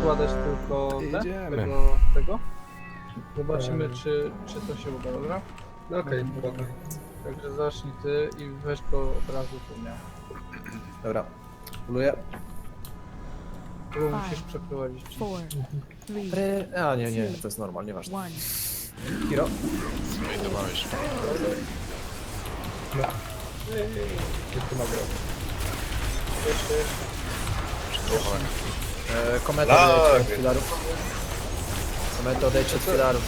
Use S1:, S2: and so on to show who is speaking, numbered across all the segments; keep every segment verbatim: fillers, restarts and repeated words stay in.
S1: składać tylko te,
S2: Idziemy.
S1: tego, tego. Zobaczymy czy, czy to się uda, dobra?
S3: No okej, spoko.
S1: Także zacznij ty i weź go od razu tu, nie?
S2: Dobra, puluję.
S1: Tu musisz przeprowadzić.
S4: Four, three,
S2: Try... A nie, nie, to jest normal, nieważne.
S4: one.
S2: Hiro.
S5: Zmejdowałeś.
S3: Jeszcze mogę.
S1: Jeszcze,
S5: Przygotowanie.
S2: E, kometa
S5: Tak.
S2: odejdźcie od filarów. Kometa odejdźcie od filarów.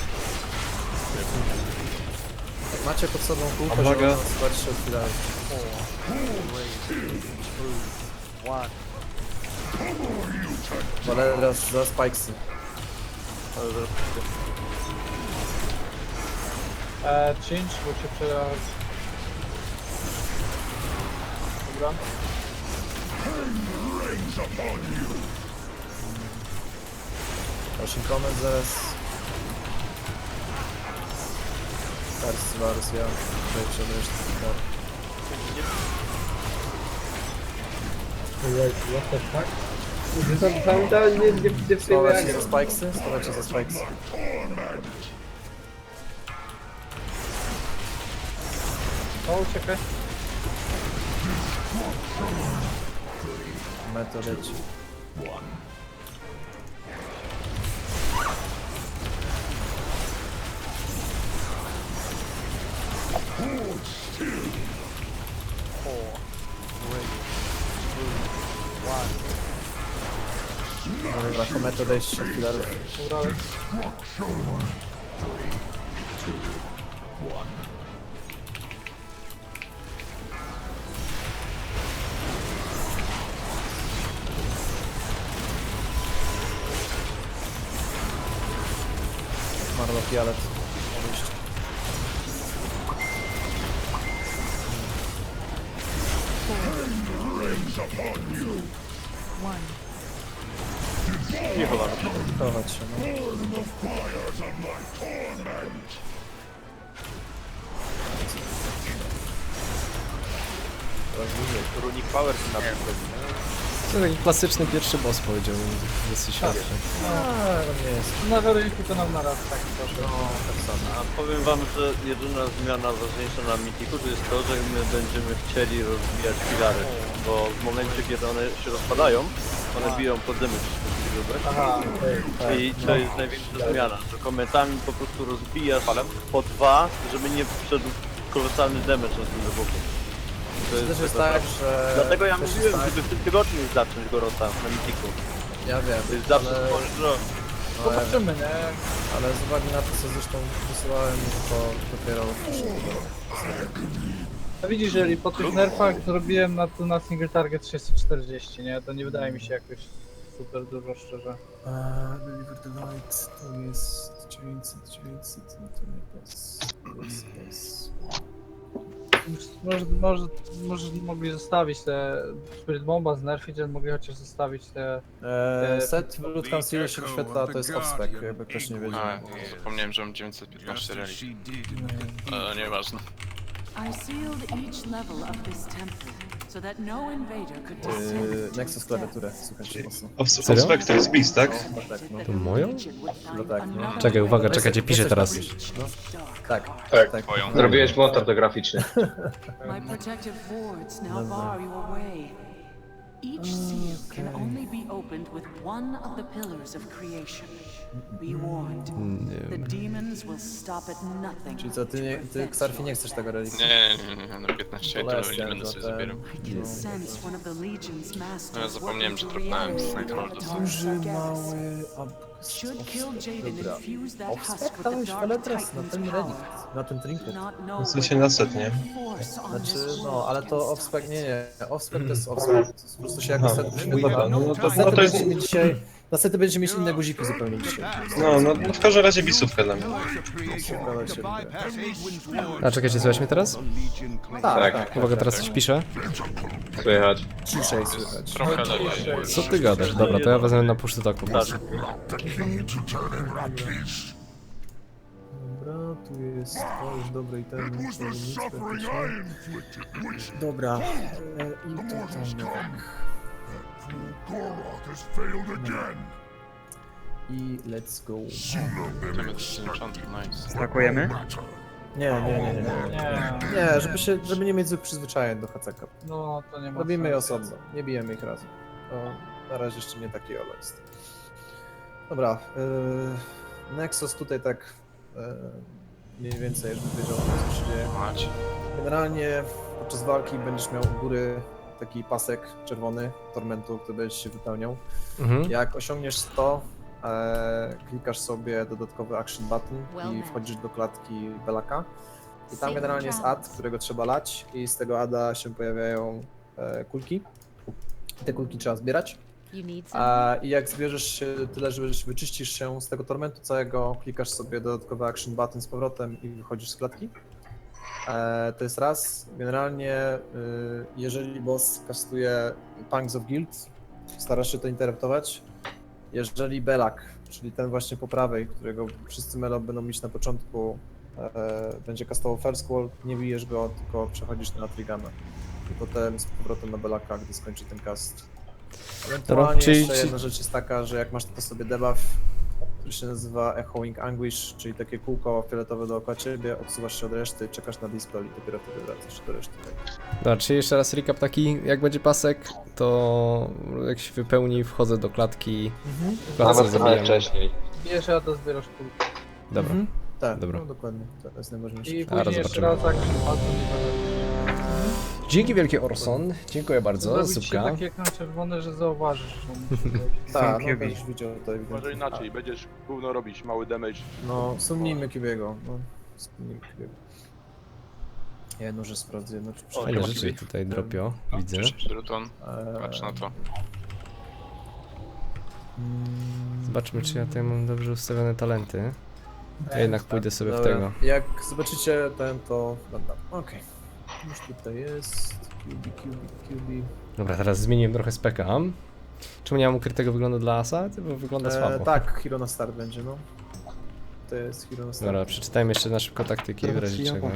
S2: Jak macie pod sobą kółko,
S3: Uwaga.
S2: zobaczcie od filarów. Valera za spikesy.
S1: e, change, bo cię przera... Dobra.
S2: Oshin comment zaraz. Stars, Varus, ja. Przejdźcie od reszty filarów.
S3: Ojej, what the fuck? Sam to nie, nie, nie
S2: Schować się
S3: przyjmę
S2: za spikesy? Schować się za spikesy.
S1: O, uciekaj.
S2: Kometa odejdźcie. No dobra, kometa odejdźcie od filarów.
S1: Dobra, ale...
S2: Marlo Fiolet. Oczywiście.
S4: One.
S5: Nie chowamy.
S2: Chować się, no.
S5: Runik Power na tym
S6: To taki klasyczny pierwszy boss, powiedziałbym, dosyć łatwy.
S2: A, no nie jest.
S1: Na weryku to nam naraz tak proszę.
S2: No, tak samo.
S7: A powiem wam, że jedyna zmiana ważniejsza na Mythicu to jest to, że my będziemy chcieli rozbijać filary, bo w momencie kiedy one się rozpadają, one biją pod damage.
S1: Aha,
S7: I to jest największa zmiana, że kometami po prostu rozbijasz po dwa, żeby nie wszedł kolosalny damage na tym boku. To
S2: To też jest
S7: taka
S2: tak,
S7: sprawa.
S2: że...
S7: Dlatego ja
S2: też jest
S7: mówiłem,
S2: tak-
S7: żeby w tym tygodniu już zacząć go rota na Mythicu.
S2: Ja wiem,
S7: To jest zawsze
S2: ale...
S7: ale... że...
S2: No, ja wiem,
S1: popatrzymy, nie?
S2: ale z uwagi na to, co zresztą wysyłałem, to dopiero...
S1: No widzisz, jeżeli po tych nerfach zrobiłem na, tu na single target trzysta czterdzieści, nie? To nie wydaje mi się jakoś super dużo, szczerze.
S2: Deliver the light, to jest dziewięćset, dziewięćset, no to nie bez... bez, bez...
S1: Może, może, może mogli zostawić te Spirit Bomba z nerfić, ale mogli chociaż zostawić te...
S2: Eee, set w Loot Councilu się wyświetla, to jest off-spec, jakby ktoś nie wiedział.
S5: A, zapomniałem, że mam dziewięćset piętnaście relik. E, nieważne.
S8: I sealed each level of this temple so that no invader could descend
S2: Eee,
S8: to
S2: Nexus
S8: its
S2: klawiaturę, słuchajcie mocno.
S6: Serio?
S9: Obspect to jest bis, tak?
S2: No, tak, no.
S6: To moją?
S2: No tak, no.
S6: Czekaj, uwaga, czekajcie, piszę teraz.
S2: Tak,
S3: Tak.
S2: tak.
S5: Twoją.
S3: Zrobiłeś motor ortograficzny.
S8: My protective wards now bar you away. Each seal can only be opened with one of the pillars of creation. Be warned, the demons will stop at nothing.
S2: Czyli co, ty, nie, ty Xarfi nie chcesz tego reliktu?
S5: Nie, nie, nie, nie, na piętnaście to nie
S2: Celestial
S5: będę sobie
S2: za ten-
S5: zabierał.
S8: I can sense one of the Legion's masters
S5: No ja zapomniałem, że
S8: working to
S5: trafnąłem z
S8: reanimate
S5: Nightlorda.
S8: Avatar
S2: Duży,
S8: Sargeras.
S2: mały... Ob...
S8: Should kill Jaden
S2: Dobra.
S8: infuse that husk
S2: Offspec
S8: with the
S2: dałeś
S8: dark
S2: Veletras na
S8: titan's
S2: ten
S8: power.
S2: relikt, na ten trinket.
S8: Not know
S9: W sensie
S8: what
S9: na set, nie?
S8: force on
S2: Znaczy,
S8: this
S2: no,
S8: world
S2: ale
S8: can
S2: to
S8: stop
S2: offspec, nie,
S8: it.
S2: nie, offspec to jest offspec. Po prostu się jako
S9: Aha,
S2: set
S9: no
S2: przyjmuje.
S9: dobra, no, no to,
S2: Na sety
S9: no to jest...
S2: będziecie mieć dzisiaj, na sety będziecie mieć inne guziki zupełnie dzisiaj.
S9: No, no, no w każdym razie bisówka dla mnie.
S2: Sprawa się
S6: A czekajcie, słychać mnie teraz?
S2: Tak, tak.
S6: Uwaga, teraz coś piszę.
S3: Słychać.
S2: Ciszej słychać.
S5: Trochę lepiej.
S6: Co ty gadasz? Dobra, to ja wezmę na push to talk po prostu.
S2: Dobra, tu jest, o już dobre itemy, to nic praktycznie. Dobra, e, i to tam tak. I let's go.
S5: Idziemy z enchantów, nice.
S3: Stakujemy?
S2: Nie, nie, nie, nie, nie.
S1: Nie,
S2: Nie, żeby się, żeby nie mieć złych przyzwyczajeń do H C K.
S1: no to nie ma
S2: Robimy je
S1: sensu.
S2: osobno, nie bijemy ich razem. To na razie jeszcze nie taki olo jest. Dobra, yy, Nexus tutaj tak yy, mniej więcej, żeby wiedział, co się dzieje.
S5: Mać.
S2: Generalnie podczas walki będziesz miał u góry taki pasek czerwony tormentu, który będzie się wypełniał.
S6: Mhm.
S2: Jak osiągniesz sto, e, klikasz sobie dodatkowy action button i wchodzisz do klatki Belaka. I tam generalnie jest ad, którego trzeba lać i z tego ada się pojawiają e, kulki. I te kulki trzeba zbierać. A, I jak zbierzesz się tyle, że wyczyścisz się z tego tormentu całego, klikasz sobie dodatkowy action button z powrotem i wychodzisz z klatki. E, to jest raz. Generalnie y, jeżeli boss kastuje Pangs of Guild, starasz się to interpretować. Jeżeli Belak, czyli ten właśnie po prawej, którego wszyscy melo będą mieć na początku, e, będzie kastował First Wall, nie bijesz go, tylko przechodzisz na Trigana. I potem z powrotem na Belaka, gdy skończy ten cast. Ewentualnie
S6: Dobra, czyli-
S2: jeszcze
S6: czyli-
S2: jedna rzecz jest taka, że jak masz to sobie debuff, który się nazywa Echoing Anguish, czyli takie kółko fioletowe dookoła ciebie, odsuwasz się od reszty, czekasz na dispel i dopiero wtedy wracasz do reszty.
S6: Dobra, czyli jeszcze raz recap taki, jak będzie pasek, to jak się wypełni, wchodzę do klatki, w klatce
S9: Nawet trochę
S6: zabijam.
S9: wcześniej.
S1: Bierz, a to zbierasz kulkę.
S6: Dobra,
S2: Mhm. Tak,
S6: Dobra.
S2: no dokładnie, to jest najważniejsze.
S1: I
S6: Zaraz
S1: później jeszcze
S6: zobaczymy.
S1: raz action button i będę-
S6: dzięki wielkie Orson, dziękuję bardzo,
S1: Zrobić się
S6: Zupka.
S1: taki ekran czerwony, że zauważysz, że musi być.
S2: Tak, no
S3: Q B.
S2: będziesz widział to
S4: Może
S2: ewidentnie.
S4: inaczej, będziesz gówno robić, mały damage.
S2: No, sumnijmy Kibiego, no, sumnijmy Kibiego. Ja jedną rzecz sprawdzę, jedno czy
S6: Fajne rzeczy tutaj dropio, widzę.
S5: Druton,
S2: Eee,
S5: patrz na to.
S2: mm,
S6: Zobaczmy, czy ja tutaj mam dobrze ustawione talenty. Ja jednak pójdę sobie w
S2: dobra.
S6: tego.
S2: Jak zobaczycie ten, to będę. Okej. Już tutaj jest. Q B, Q B, Q B.
S6: Dobra, teraz zmieniłem trochę speka. Czemu nie mam ukrytego wyglądu dla Asa? Bo wygląda słabo.
S2: E, tak, Hero na start będzie, no. To jest Hero na start.
S6: Dobra, przeczytajmy jeszcze na szybko taktyki, w razie czego.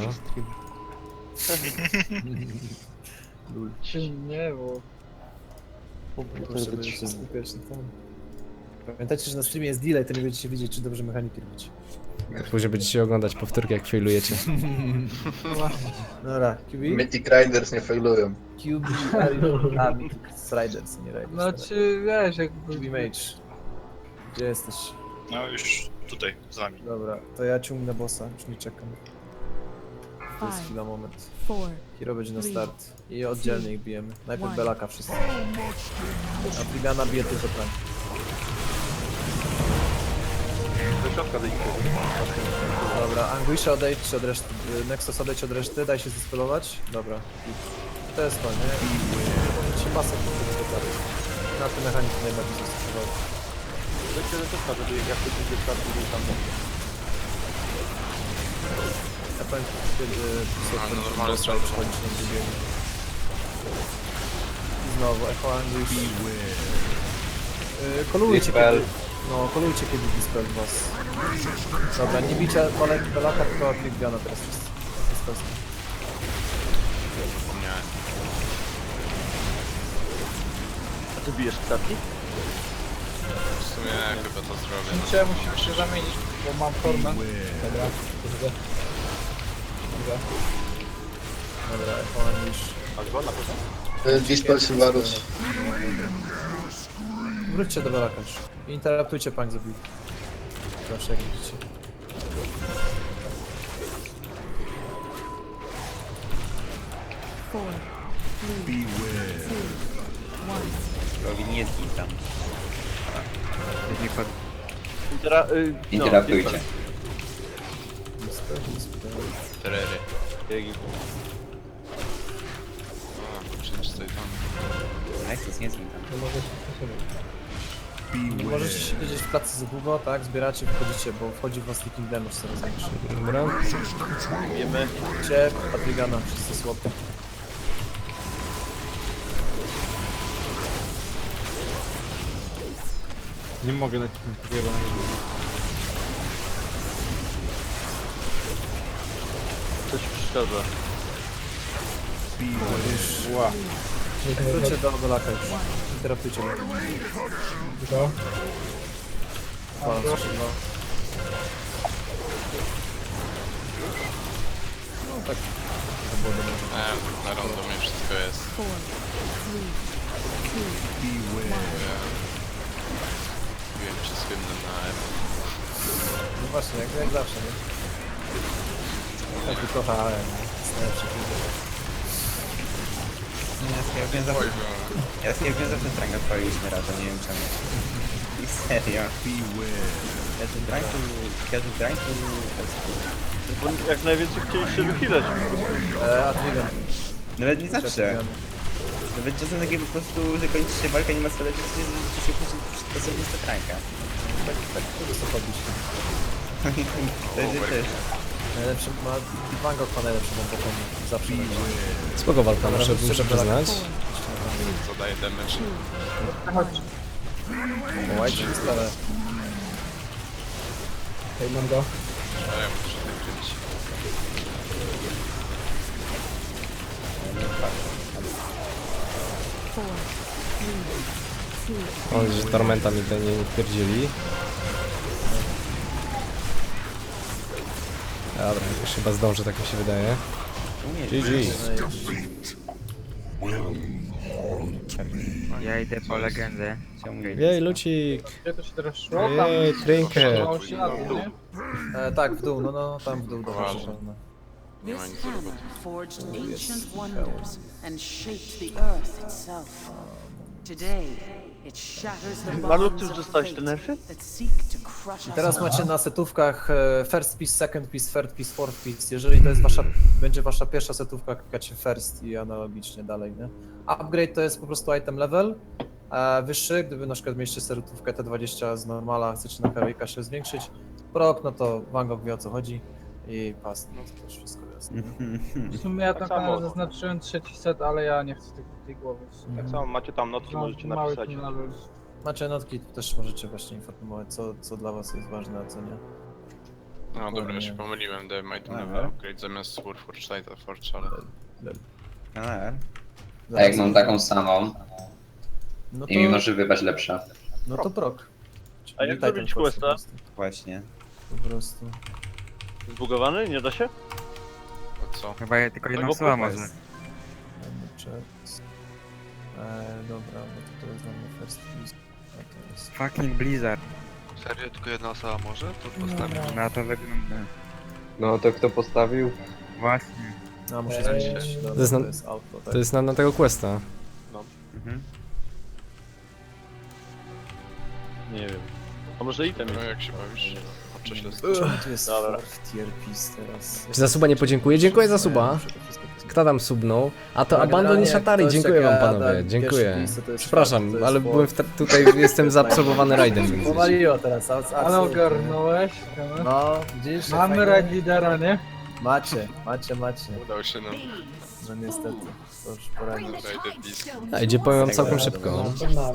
S2: Lul.
S1: Nie, bo...
S2: Proszę, będziecie skupiać na tym. Pamiętajcie, że na streamie jest delay, to nie będziecie wiedzieć, czy dobrze mechaniki robić.
S6: Później będziecie oglądać powtórki, jak failujecie.
S2: Dobra, Q B?
S9: Mythic Riders nie failują.
S2: Q B, a Mythic Riders, nie Riders.
S1: Znaczy, wiesz, jakby...
S2: Q B Mage. Gdzie jesteś?
S10: No już tutaj, z nami.
S2: Dobra, to ja ciągnę bossa, już nie czekam. To jest
S8: Five,
S2: chwila, moment.
S8: four,
S2: Hero będzie na
S8: three,
S2: start. I oddzielnie ich bijemy. Najpierw
S8: one.
S2: Belaka wszyscy. A Trigana bije tylko plan.
S4: Do środka zejdzie.
S2: Dobra, Anguisha odejdź od reszty, Nexus odejdź od reszty, daj się zespelować. Dobra. I to jest to, nie? I się pasek wystawić. Na te mechaniki najbardziej zastosowały.
S4: Weźcie do środka, żeby jak ktoś będzie startu, to tam będzie.
S2: Ja pamiętam, kiedy
S5: A, no normalnie strzelby.
S2: wchodzić na drugiego. I znowu, Echo Anguish. Yy, kolujcie
S9: Dispel.
S2: kiedy... No, kolujcie kiedy Dispel was. Dobra, nie bicie maleki Belaka, tylko Trigana teraz wszyscy. Jest
S5: Zapomniałem.
S7: A ty bijesz klatki?
S5: W sumie chyba to zrobię.
S1: Cię musimy się zamienić, bo mam formę. Dobra, kurde. Dobra.
S2: Dobra, Echo Anguish.
S4: A go na pewno?
S9: Dispel Sylvarus.
S2: Wróćcie do Belaka już. I interaptujcie Punk zabij. Proszę, jak widzicie.
S8: four, three, two, one.
S3: Rogi nie zgin tam. Nie kład...
S7: Intera... Y, no,
S9: Interaktujcie.
S2: Dispel, Dispel.
S5: Terery.
S7: Dzięki.
S5: A, przeczytaj tam.
S3: Nexus nie zgin tam.
S1: To może się
S2: Nie możecie siedzieć w klatce za długo, tak? Zbieracie, wchodzicie, bo wchodzi w was taking damage coraz większy.
S6: Dobra.
S7: Wiemy.
S2: Cię, Patrygana, wszyscy słabo.
S10: Nie mogę nacisnąć takiego.
S7: Coś przeszkadza.
S10: Ła.
S2: Wróćcie do Belaka już. Interaptujcie go.
S1: Tylko?
S2: Palam
S1: Dobra.
S2: skrzydła. No tak. To było dobre.
S5: Nie, na randomie wszystko jest. Wiem się z hymnem na F.
S2: No właśnie, jak, jak zawsze, nie? Taki kochałem, jest najlepszy film.
S11: Ja z zawsze, ja z Kevin zawsze tranga trwaliśmy razem, nie wiem czemu. I serio. Kiedy drań to... Kiedy drań to...
S7: Bo jak najwięcej chcieliście wychylać.
S2: Eee, a Trigan.
S11: Nawet nie zawsze. Nawet czasem takie po prostu, że kończy się walka, nie ma co lecieć, to się po sobie jest to tranka.
S2: Tak, tak, to jest to podbić.
S11: To jest też.
S2: Najlepszy ma... Van Gogh ma najlepszy bombokon. Zawsze będzie.
S6: Spoko walka, muszę, muszę przyznać.
S5: Zadaje damage.
S1: Chodź.
S2: O, White Shield sprawę.
S3: Hej, mam go.
S5: A ja muszę tak kryć.
S6: O, że Tormenta mi tutaj nie pierdzieli. Dobra, już chyba zdążę, tak mi się wydaje. G G.
S11: Ja idę po legendę. Ciągle
S6: Jej, lucik!
S1: Gdzie to się teraz szło? Tam
S6: Jej, trinket!
S1: mało się na dół, nie?
S2: E, tak, w dół, no, no, tam w dół do was. No.
S5: Nie ma
S8: This
S5: nic do roboty.
S8: hammer forged ancient wonders and shaped the earth itself. Today, it shatters the
S7: Malutki
S8: bonds
S7: już
S8: of
S7: dostałeś te
S8: fate
S7: nerfy?
S8: that seek to crush
S2: I
S8: us
S2: teraz
S8: all.
S2: macie na setówkach e, first piece, second piece, third piece, fourth piece. Jeżeli to jest wasza, będzie wasza pierwsza setówka, klikacie first i analogicznie dalej, nie? Upgrade to jest po prostu item level e, wyższy, gdyby na przykład mieliście setówkę T dwadzieścia z normala, chcecie na heroika się zwiększyć. Prok, no to Van Gogh wie o co chodzi i pas, no to też wszystko jest. nie?
S1: W sumie ja
S4: Tak
S1: tam
S4: samo.
S1: zaznaczyłem trzeci set, ale ja nie chcę tej, tej głowy w sumie.
S4: Tak samo macie tam notki,
S1: No,
S4: możecie
S1: mały
S4: napisać.
S1: tu nawet.
S2: Macie notki, też możecie właśnie informować, co, co dla was jest ważne, a co nie.
S5: No dobra, ja się pomyliłem, dałem item
S11: Dobra.
S5: level upgrade zamiast War Fortnite Forge, ale...
S11: A,
S2: A jak mam taką
S9: samą
S2: no to,
S9: może wypaść lepsza.
S2: no to prok.
S7: A jak
S2: Titan
S7: zrobić
S2: Force po
S7: questa?
S2: prostu.
S11: właśnie.
S2: Po prostu.
S7: Zbugowany? Nie da się?
S5: To co?
S11: Chyba ja tylko jedną
S7: Tego
S11: słowa
S7: kurwa
S11: może.
S2: Mamy chat. Eee, dobra, bo to, to jest dla mnie first piece. A to jest...
S11: Fucking Blizzard.
S5: Serio? Tylko jedna osoba może? To postawić.
S11: Na to wygląda.
S3: No to kto postawił?
S11: Właśnie.
S2: A, muszę
S1: Eee,
S2: zmienić. Dobra,
S6: to jest na-
S2: to jest outlaw, tak?
S6: To jest na, na tego questa.
S11: Mhm.
S7: Nie wiem. A może item
S5: No
S7: jest?
S5: jak się bawisz? Patrzę się z
S2: Czemu tu jest
S7: Dobra.
S2: fourth tier piece teraz?
S6: Czy za suba nie podziękuję? Dziękuję za suba.
S2: Muszę to wszystko poznać.
S6: Kto tam subnął? A to
S2: No,
S6: Abandon i
S2: generalnie
S6: Shatari,
S2: jak ktoś
S6: dziękuję wam
S2: taka
S6: panowie,
S2: Adam,
S6: dziękuję.
S2: pierwszy piece, to jest
S6: Przepraszam,
S2: czwarty, to
S6: ale
S2: jest
S6: byłem w tra- tutaj, jestem zaabsorbowany rajdem, więc wiecie.
S2: Powaliło teraz, a, a
S1: Ale
S2: co?
S1: ogarnąłeś.
S2: No, widzisz?
S1: Mamy
S2: fajnie?
S1: raid lidera, nie?
S2: Macie, macie, macie.
S5: Udało się nam.
S2: No niestety, to już pora.
S5: Dobra, idę blisko.
S6: A idzie powiem wam całkiem szybko.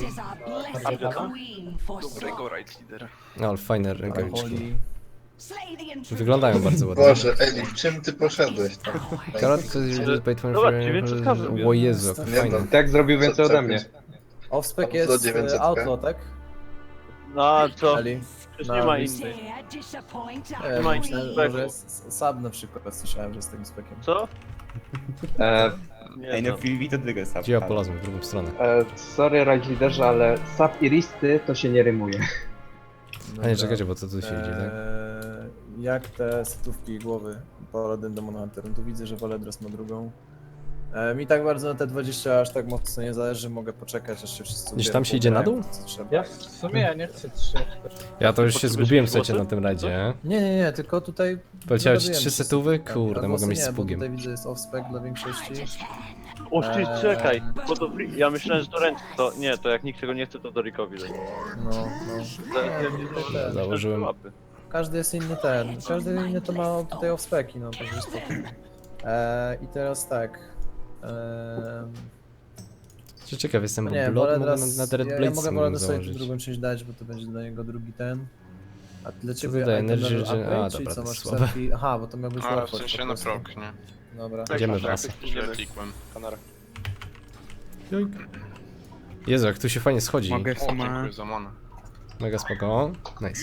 S5: Dobrego right leadera.
S6: No, ale fajne rękawiczki.
S2: Holy.
S6: Wyglądają bardzo ładnie.
S9: Boże, Eli, w czym ty poszedłeś tam?
S6: Karot to jest pay
S7: Dobra, dziewięćset kasy.
S6: O Jezu, jak
S9: Nie
S6: fajne.
S9: no.
S3: Tak zrobił więcej
S9: Co-
S3: ode mnie.
S2: Offspec
S9: Tam
S2: jest
S9: za dziewięćset,
S2: e, outlaw, tak?
S7: No a co?
S2: Eli?
S7: Przecież
S2: na
S7: nie ma
S2: listy.
S7: innych.
S2: E,
S7: ma
S2: myślałem,
S7: innych
S2: może s- Sub na przykład słyszałem, że z tym spekiem.
S7: Co?
S3: E,
S7: Nie
S11: Ej,
S7: no.
S11: no Filip to tylko sam.
S6: Gdzie ja polazłem w drugą stronę.
S3: e, sorry, Ride Leaderze, ale sap i listy to się nie rymuje.
S6: A nie, czekajcie, bo co tu się dzieje, tak?
S2: Eee, jak te setówki głowy Paladin Demon Hunter? No tu widzę, że Valedros ma drugą. E, mi tak bardzo na te dwadzieścia aż tak mocno nie zależy, mogę poczekać aż się wszyscy
S6: Gdzieś
S2: ubiorą,
S6: tam się idzie na dół?
S2: pobierają, co trzeba.
S1: Ja w sumie ja nie chcę trzy.
S6: Ja to już się
S7: Potrzebujesz
S6: zgubiłem,
S7: jakieś
S6: słuchajcie,
S7: głosy?
S6: na tym rajdzie.
S2: Nie, nie, nie, tylko tutaj...
S6: Poleciałeś
S2: dogadujemy
S6: trzy
S2: się
S6: setówy?
S2: setówkami.
S6: Kurde,
S2: A
S6: mogę
S2: głosy
S6: mieć
S2: nie,
S6: z
S2: bo
S6: pługiem.
S2: tutaj widzę jest offspec dla większości.
S7: O ty
S2: Eee.
S7: czekaj, bo to free. Ja myślałem, że to rent. To nie, to jak nikt tego nie chce, to Dorikowi dać.
S2: No, no.
S7: To-
S2: Nie,
S7: to-
S2: tutaj
S7: to-
S2: ten.
S7: to-
S6: Założyłem.
S7: to łapy.
S2: Każdy jest inny ten, każdy inny to ma tutaj offspeki, no także jest to. Eee, I teraz tak. Eee,
S6: Czy ciekaw jestem, bo
S2: nie,
S6: Blood mogę
S2: Valedras,
S6: na, na Dread
S2: ja, ja
S6: Blades
S2: mogę
S6: mógłbym
S2: Valedras sobie tę
S6: założyć.
S2: drugą część dać, bo to będzie dla niego drugi ten. A dla
S6: Co
S2: ciebie
S6: tutaj,
S2: item
S6: Energy
S2: level
S6: Gen-
S2: upgrade,
S6: a,
S2: czyli
S6: dobra,
S2: co
S6: to
S2: masz
S6: jest słabe.
S2: selfie? Aha, bo to miał być
S5: A, w
S2: warford
S5: sensie
S2: po
S5: na
S2: prostu.
S5: prok, nie?
S2: Dobra.
S6: Idziemy w
S4: tak,
S6: las.
S4: tak,
S5: Źle
S4: idziemy.
S5: klikłem.
S4: Kanara.
S6: Joink. Jezu, jak tu się fajnie schodzi.
S11: Mogę
S5: O,
S11: sama...
S5: dziękuję za mana.
S6: Mega spoko. Nice.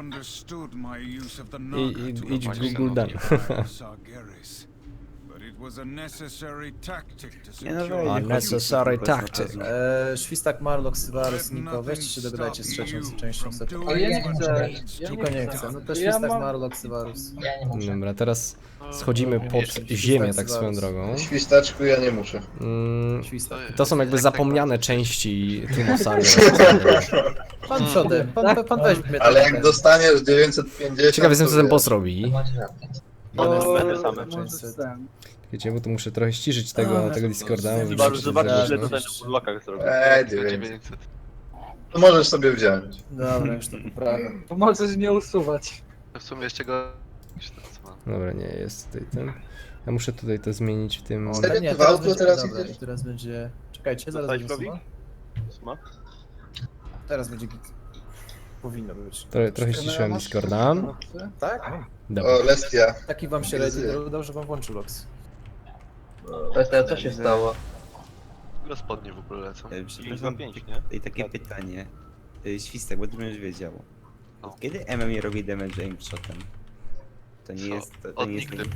S6: I, i, idź w Google Dan.
S11: Nie no, weź,
S6: Unnecessary tactic.
S2: Eee, Świstak, Marlock, Syvarus, Niko, weźcie się dogadajcie z trzecią z częścią seta.
S1: Ale ja nie chcę. Ja
S2: Niko nie chce, no to
S1: Ja
S2: Świstak,
S1: mam-
S2: Marlock, Syvarus.
S6: Dobra, teraz schodzimy pod ziemię tak swoją drogą.
S9: Świstaczku ja nie muszę.
S6: Mm,
S2: Świstak.
S6: to są jakby zapomniane części Tumosaru.
S2: Pan przodem, pan, pan weźmie
S9: Ale
S2: tak,
S9: jak dostaniesz dziewięćset pięćdziesiąt...
S6: Ciekaw jestem,
S9: to
S6: co ten
S9: wiesz.
S6: boss robi.
S7: One
S1: To-
S7: będę same.
S1: może ten.
S6: Wiecie, bo tu muszę trochę ściszyć tego, tego Discorda. bo
S7: Chyba, że
S6: widzicie,
S7: zobaczysz,
S6: że-
S7: ile tutaj na podlokach zrobił.
S9: Eee, dziewięćset. To możesz sobie wziąć.
S2: Dobra, już to poprawię.
S1: To możesz nie usuwać.
S5: W sumie jeszcze go...
S6: Dobra, nie, jest tutaj ten. Ja muszę tutaj to zmienić w tym...
S9: Serio?
S2: Ale nie,
S9: w
S2: teraz
S9: auto
S2: będzie,
S9: teraz
S2: dobra,
S9: idziesz?
S2: i teraz będzie... Czekajcie, zaraz
S7: Dostałeś
S2: będzie
S7: Gowi?
S2: suwa.
S7: Sma?
S2: Teraz będzie git. Powinno być.
S6: Trochę, trochę ściszyłem Discorda.
S2: Tak?
S6: Dobra.
S9: O, Lestia.
S2: Taki wam się radzi, dobrze wam włączył Lox.
S3: Co się stało?
S5: Rozpodnie w ogóle lecą.
S11: E, Przepraszam,
S7: pięć, nie?
S11: i takie pytanie. E, Świstek, bo ty będziesz wiedział.
S5: No.
S11: Od kiedy M M nie robi damage aim shotem? To nie
S5: Co?
S11: jest... To, to
S5: Od
S11: nie jest
S5: nigdy.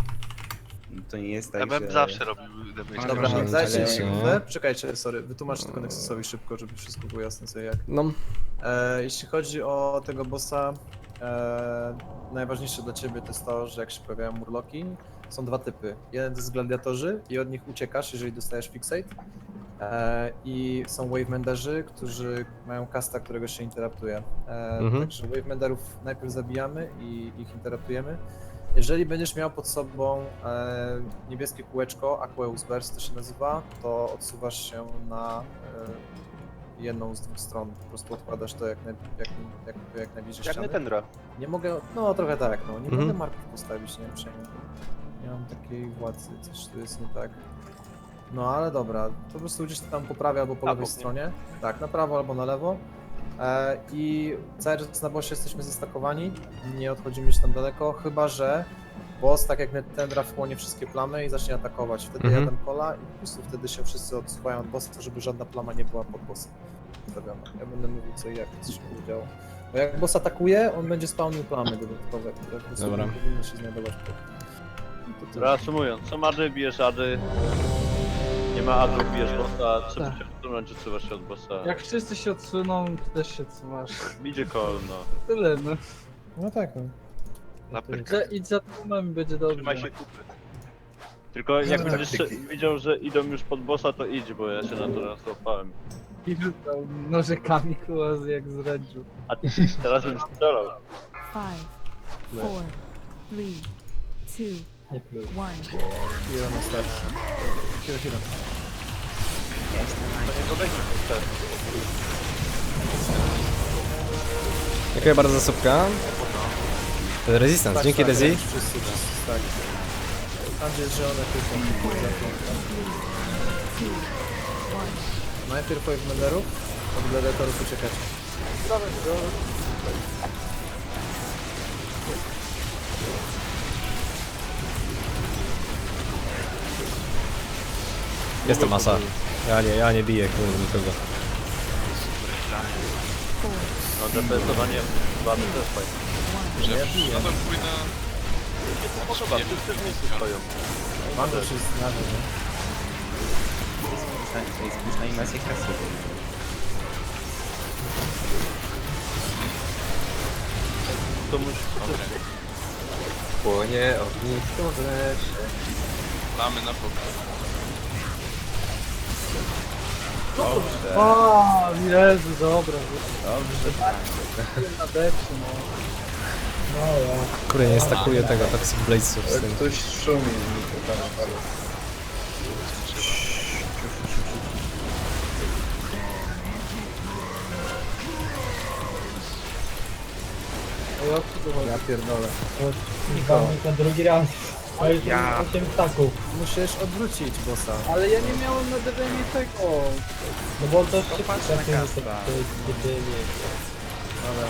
S11: To nie jest tak,
S5: M M
S11: że...
S5: zawsze robił damage.
S2: Dobra,
S6: Ale-
S2: dajcie
S6: ale-
S2: sekundę. Czekajcie, sorry, wytłumaczę tylko Nexusowi szybko, żeby wszystko było jasne co i jak.
S6: No,
S2: E, jeśli chodzi o tego bossa, e, najważniejsze dla ciebie to jest to, że jak się pojawiają murloki, są dwa typy. Jeden to jest gladiatorzy i od nich uciekasz, jeżeli dostajesz fixate. E, I są wavemenderzy, którzy mają casta, którego się interaptuje. E,
S6: Mhm.
S2: Także wavemenderów najpierw zabijamy i ich interaptujemy. Jeżeli będziesz miał pod sobą e, niebieskie kółeczko, Aqueous Burst to się nazywa, to odsuwasz się na e, jedną z dwóch stron. Po prostu odkładasz to jak, naj, jak, jak, jak najbliżej
S7: Jak
S2: ściany.
S7: nie tendra.
S2: Nie mogę, no trochę tak, no. Nie
S6: Mhm.
S2: mogę marków postawić, nie wiem czemu. Nie mam takiej władzy, coś tu jest nie tak. No ale dobra, to po prostu gdzieś tam po prawej albo po
S7: Na
S2: lewej
S7: bok, nie?
S2: stronie. Tak, na prawo albo na lewo. E, I cały czas na bossie jesteśmy zestakowani, nie odchodzimy się tam daleko, chyba że boss, tak jak Tendra, wchłonie wszystkie plamy i zacznie atakować. Wtedy
S6: Mhm.
S2: ja dam kola i po prostu wtedy się wszyscy odsuwają od bossa, żeby żadna plama nie była pod bossem. Ustawiona. Ja będę mówił co i jak, co się będzie działo. Bo jak boss atakuje, on będzie spawnił plamy dodatkowe, które po prostu
S6: Dobra.
S2: nie powinny się znajdować pod... No to tyle.
S7: Reasumując, są ady, bijesz ady. Nie ma adu, bijesz bossa, trzeba się odsunąć, odsuwasz się od bossa.
S1: Jak wszyscy się odsuną, ty też się odsuwasz.
S7: Idzie call, no.
S1: Tyle, no.
S2: No tak, no.
S5: Na
S1: Idź za, idź za tłumem, będzie dobrze.
S7: Trzymaj się kupy. Tylko jak będziesz strze- widział, że idą już pod bossa, to idź, bo ja się na to nastąpałem.
S1: I rzucał nożykami kłaz jak z Redżu.
S7: A ty teraz będziesz strzelał.
S8: Five, four, three, two, one.
S2: Chwila na start. Chwila, chwila.
S7: To nie podejdzie pod ten.
S6: dziękuję bardzo za subka. Resistance,
S2: Tak,
S6: dzięki
S2: tak,
S6: Rezi.
S2: Wszyscy, wszyscy, tak. Tam gdzie jest zielone tylko. Najpierw od menderów, od gladiatorów uciekać.
S6: Jestem masa. Ja nie, ja nie biję kurde nikogo.
S7: No defensowanie mamy też fajnie.
S5: Że no to pójdę...
S7: Podoba, wszyscy w miejscu stoją.
S2: Mam też jest na dół, nie?
S11: To jest już na animację kasy.
S7: To musi...
S3: Płonie ognisko w lesie.
S5: Mamy na bok.
S1: O, Jezu, dobra.
S11: Dobrze,
S1: Na depsie, no. No ja.
S6: Kurde, nie stakuję tego Toxic Bladesów z tym.
S9: Ktoś szumi z mikrofonu, ale...
S1: A ja przygodę.
S2: Ja pierdolę.
S3: Na drugi raz. To jest
S11: Ja.
S3: osiem staków.
S2: Musisz odwrócić bossa.
S1: Ale ja nie miałem na devenie tego.
S3: No bo to się
S11: patrz na
S3: patrzy,
S11: kasa.
S3: to jest jedynie.
S2: Dobra.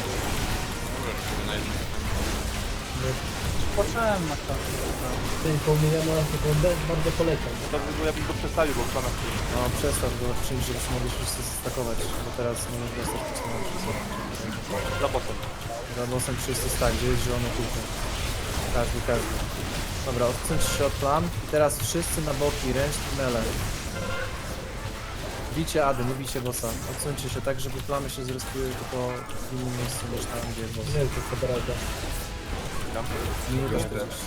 S1: Patrzyłem na to.
S3: Ten pół miliona na sekundę bardzo polecam.
S7: To by było, ja bym go przestawił, bo plan
S2: No przestaw go czynić, żebyśmy mogli wszyscy stakować, bo teraz nie możemy dostać po prostu.
S7: Za bossem.
S2: Za bossem wszyscy stać, gdzie jest zielone kółko. Każdy, każdy. Dobra, odsuńcie się od plam i teraz wszyscy na boki, ręcz tunele. Bicie Ady, nie bicie bossa. Odsuńcie się tak, żeby plamy się zrespiły tylko w innym miejscu niż tam, gdzie jest boss.
S3: Nie wiem, co to prawda.
S2: Minuta czterdzieści.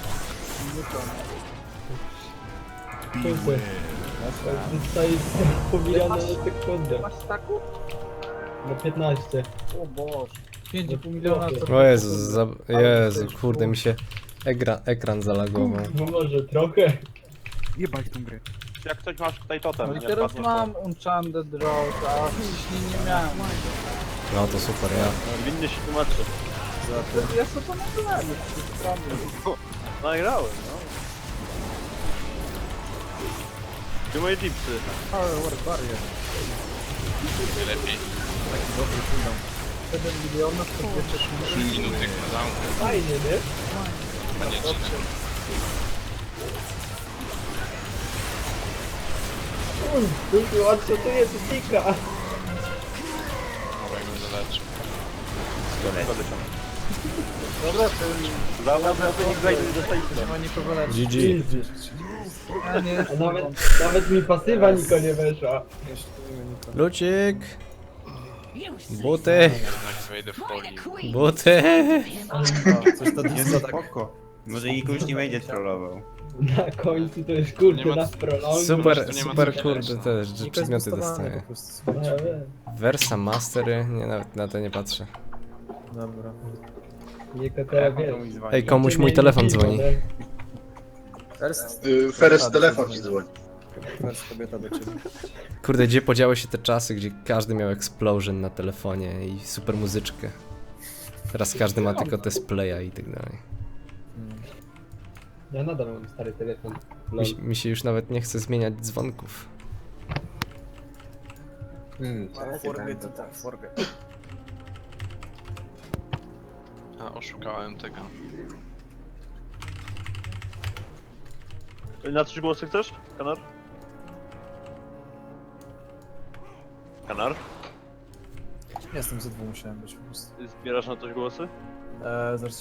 S3: Kurde. Zostaje pomijane na sekundę.
S1: Masz staku?
S3: Na piętnaście.
S1: O Boże. pięć i pół miliona co...
S6: O Jezu, za... Jezu, kurde mi się ekran, ekran zalagował.
S3: No może trochę.
S10: Jebać tą grę.
S7: Jak ktoś masz tutaj totem,
S1: No i
S7: nie
S1: teraz
S7: spadniesz,
S1: mam Enchanted Road, a wcześniej nie miałem.
S6: No to super, ja.
S7: to winny się tłumaczy.
S2: Za tym.
S1: Ja sobie to nagrałem,
S7: Nagrałem, no. Gdzie moje dipsy?
S2: Ale war barrier.
S5: Najlepiej.
S2: Taki dobry finał.
S1: siedem milionów to wiecie,
S5: trzy minuty na zamku.
S3: Fajnie, nie?
S5: A nie trzy.
S3: Kurwa, a co to jest? Tika!
S5: Dobra, jak go zaleczy.
S1: Dobra, to
S7: Zauważyłem, że nikt zajdzie nie dostaliśmy.
S2: Nie ma nikogo lepszego.
S6: G G.
S1: ja nie
S3: A nawet, nawet mi pasywa niko nie weszła.
S2: Nie szykujemy nikogo.
S6: Lucik! Buty!
S5: Jednak wejdę w poli.
S6: Buty!
S2: O, coś to dysta tak.
S11: Spoko. Może Iko już nie będzie trollował.
S3: Na końcu to jest kurde
S5: Nie ma-
S3: na prolongu.
S6: Super,
S5: tu nie ma
S6: super
S5: co
S6: kurde
S5: widać,
S6: też, że
S2: Niko jest
S6: przedmioty
S2: boostowany
S6: dostaję.
S2: po prostu.
S3: No,
S2: słuchajcie.
S3: ja wiem.
S6: Versa Mastery? Nie, nawet na to nie patrzę.
S2: Dobra.
S3: Niko teraz wiesz.
S6: Ej, komuś mój telefon dzwoni.
S2: First,
S9: Y, Feres telefon ci dzwoni.
S2: First kobieta do ciebie.
S6: Kurde, gdzie podziały się te czasy, gdzie każdy miał explosion na telefonie i super muzyczkę. Teraz każdy ma tylko displaya i tak dalej.
S3: Ja nadal mam stary telefon.
S6: Mi, się- mi się już nawet nie chce zmieniać dzwonków.
S2: Hmm. Forget to tak, forget.
S5: A, oszukałem tego.
S7: Na trzy głosy chcesz? Kanar? Kanar?
S2: Jestem ze dwóch, musiałem być po prostu.
S7: Zbierasz na coś głosy?
S2: Eee, zaraz